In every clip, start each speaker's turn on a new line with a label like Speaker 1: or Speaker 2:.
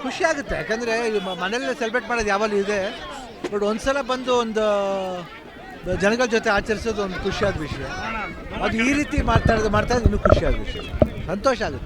Speaker 1: ಖುಷಿ ಆಗುತ್ತೆ, ಯಾಕಂದರೆ ಮನೆಯಲ್ಲೇ ಸೆಲೆಬ್ರೇಟ್ ಮಾಡೋದು ಯಾವಾಗಲೂ ಇದೆ. ಬಟ್ ಒಂದ್ಸಲ ಬಂದು ಒಂದು ಜನಗಳ ಜೊತೆ ಆಚರಿಸೋದು ಒಂದು ಖುಷಿಯಾದ ವಿಷಯ. ಅದು ಈ ರೀತಿ ಮಾಡ್ತಾ ಇರೋದು ಇನ್ನೂ ಖುಷಿಯಾದ ವಿಷಯ, ಸಂತೋಷ ಆಗುತ್ತೆ.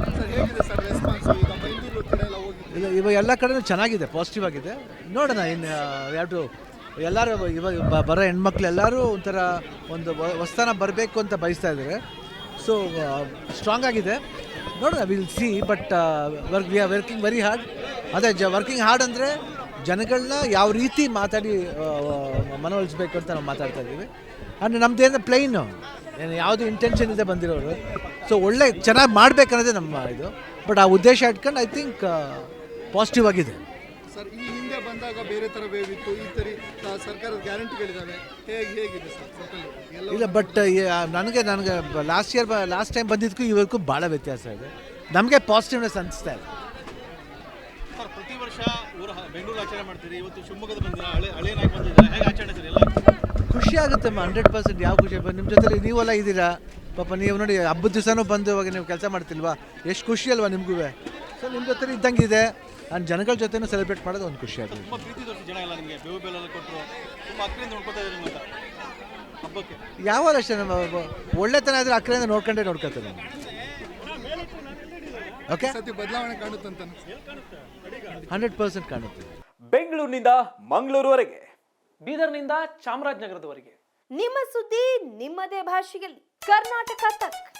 Speaker 1: ಇಲ್ಲ, ಇವಾಗ ಎಲ್ಲ ಕಡೆನೂ ಚೆನ್ನಾಗಿದೆ, ಪಾಸಿಟಿವ್ ಆಗಿದೆ. ನೋಡೋಣ ಇನ್ನು ಯಾವುದು ಎಲ್ಲರೂ ಇವಾಗ ಬರೋ ಹೆಣ್ಮಕ್ಳು ಎಲ್ಲರೂ ಒಂಥರ ಒಂದು ಹೊಸ್ತಾನ ಬರಬೇಕು ಅಂತ ಬಯಸ್ತಾ ಇದ್ದಾರೆ. ಸೊ ಸ್ಟ್ರಾಂಗ್ ಆಗಿದೆ, ನೋಡೋಣ, will see. But we are working very hard. ಅದೇ ವರ್ಕಿಂಗ್ ಹಾರ್ಡ್ ಅಂದರೆ ಜನಗಳನ್ನ ಯಾವ ರೀತಿ ಮಾತಾಡಿ ಮನವೊಲಿಸ್ಬೇಕು ಅಂತ ನಾವು ಮಾತಾಡ್ತಾ ಇದ್ದೀವಿ. ಅಂದರೆ ನಮ್ಮದೇನು ಪ್ಲೈನು, ಏನು ಯಾವುದು ಇಂಟೆನ್ಷನ್ ಇದೆ ಬಂದಿರೋರು. ಸೊ ಒಳ್ಳೆ ಚೆನ್ನಾಗಿ ಮಾಡಬೇಕನ್ನೋದೇ ನಮ್ಮ ಇದು. ಬಟ್ ಆ ಉದ್ದೇಶ ಇಟ್ಕೊಂಡು ಐ ಥಿಂಕ್ ಪಾಸಿಟಿವ್ ಆಗಿದೆ.
Speaker 2: ಸರ್, ಈ ಹಿಂದೆ ಬಂದಾಗ ಬೇರೆ ಥರ ವೇವ್ ಇತ್ತು, ಈ ಥರ ಸರ್ಕಾರದ ಗ್ಯಾರಂಟಿಗಳಿದ್ದಾವೆ, ಹೇಗಿದೆ ಸರ್?
Speaker 1: ಇಲ್ಲ, ಬಟ್ ನನಗೆ ಲಾಸ್ಟ್ ಟೈಮ್ ಬಂದಿದ್ದಕ್ಕೂ ಇವರಿಗೂ ಭಾಳ ವ್ಯತ್ಯಾಸ ಇದೆ. ನಮಗೆ ಪಾಸಿಟಿವ್ನೆಸ್ ಅನಿಸ್ತಾ ಇದೆ.
Speaker 3: ಸರ್, ಪ್ರತಿ ವರ್ಷ ಬೆಂಗಳೂರು ಆಚರಣೆ ಮಾಡ್ತೀರಿ, ಇವತ್ತು ಶಿವಮೊಗ್ಗದ ಬಂದಿರ ಹಳೆಯನಾಗಿ ಬಂದಿದ್ದೀರಾ, ಹೇಗೆ ಆಚರಣೆ ಸರ್? ಎಲ್ಲ
Speaker 1: ಖುಷಿ ಆಗುತ್ತೆ 100%. ಯಾವ ಖುಷಿ, ನಿಮ್ಮ ಜೊತೆ ನೀವೆಲ್ಲ ಇದ್ದೀರಾ ಪಾಪ. ನೀವು ನೋಡಿ ಹಬ್ಬದ ದಿವಸನೂ ಬಂದು ಇವಾಗ ನೀವು ಕೆಲಸ ಮಾಡ್ತಿಲ್ವಾ, ಎಷ್ಟು ಖುಷಿ ಅಲ್ವಾ ನಿಮಗೂ. ಸೊ ನಿಮ್ಮ ಜೊತೆ ಇದ್ದಂಗಿದೆ, ನಾನು ಜನಗಳ ಜೊತೆನೂ ಸೆಲೆಬ್ರೇಟ್ ಮಾಡೋದು ಒಂದು ಖುಷಿ ಆಗುತ್ತೆ.
Speaker 3: ತುಂಬ ಪ್ರೀತಿ ತೋರಿಸಿ ಜನ ಎಲ್ಲ ನಿಮಗೆ ಬೇವು ಬೆಲ್ಲ ಕೊಟ್ಟರು, ತುಂಬ ಹತ್ತಿರದಿಂದ ನೋಡ್ಕೊತಾ ಇದ್ದೀರಿ ಅಂತ ಹಬ್ಬಕ್ಕೆ.
Speaker 1: ಯಾವಾಗ ಅಷ್ಟೇ ನಮ್ಮ ಒಳ್ಳೆತನ ಆದರೆ ಅಕ್ಕರೆಯಿಂದ ನೋಡ್ಕೊತಾರೆ. ಓಕೆ,
Speaker 2: ಸತಿ ಬದಲಾವಣೆ ಕಾಣುತ್ತಂತ
Speaker 1: 100% ಕಾಣುತ್ತೆ.
Speaker 4: ಬೆಂಗಳೂರಿನಿಂದ ಮಂಗಳೂರುವರೆಗೆ,
Speaker 5: ಬೀದರ್ನಿಂದ ಚಾಮರಾಜನಗರದವರೆಗೆ
Speaker 6: ನಿಮ್ಮ ಸುದ್ದಿ ನಿಮ್ಮದೇ ಭಾಷೆಯಲ್ಲಿ. ಕರ್ನಾಟಕ ತಕ್.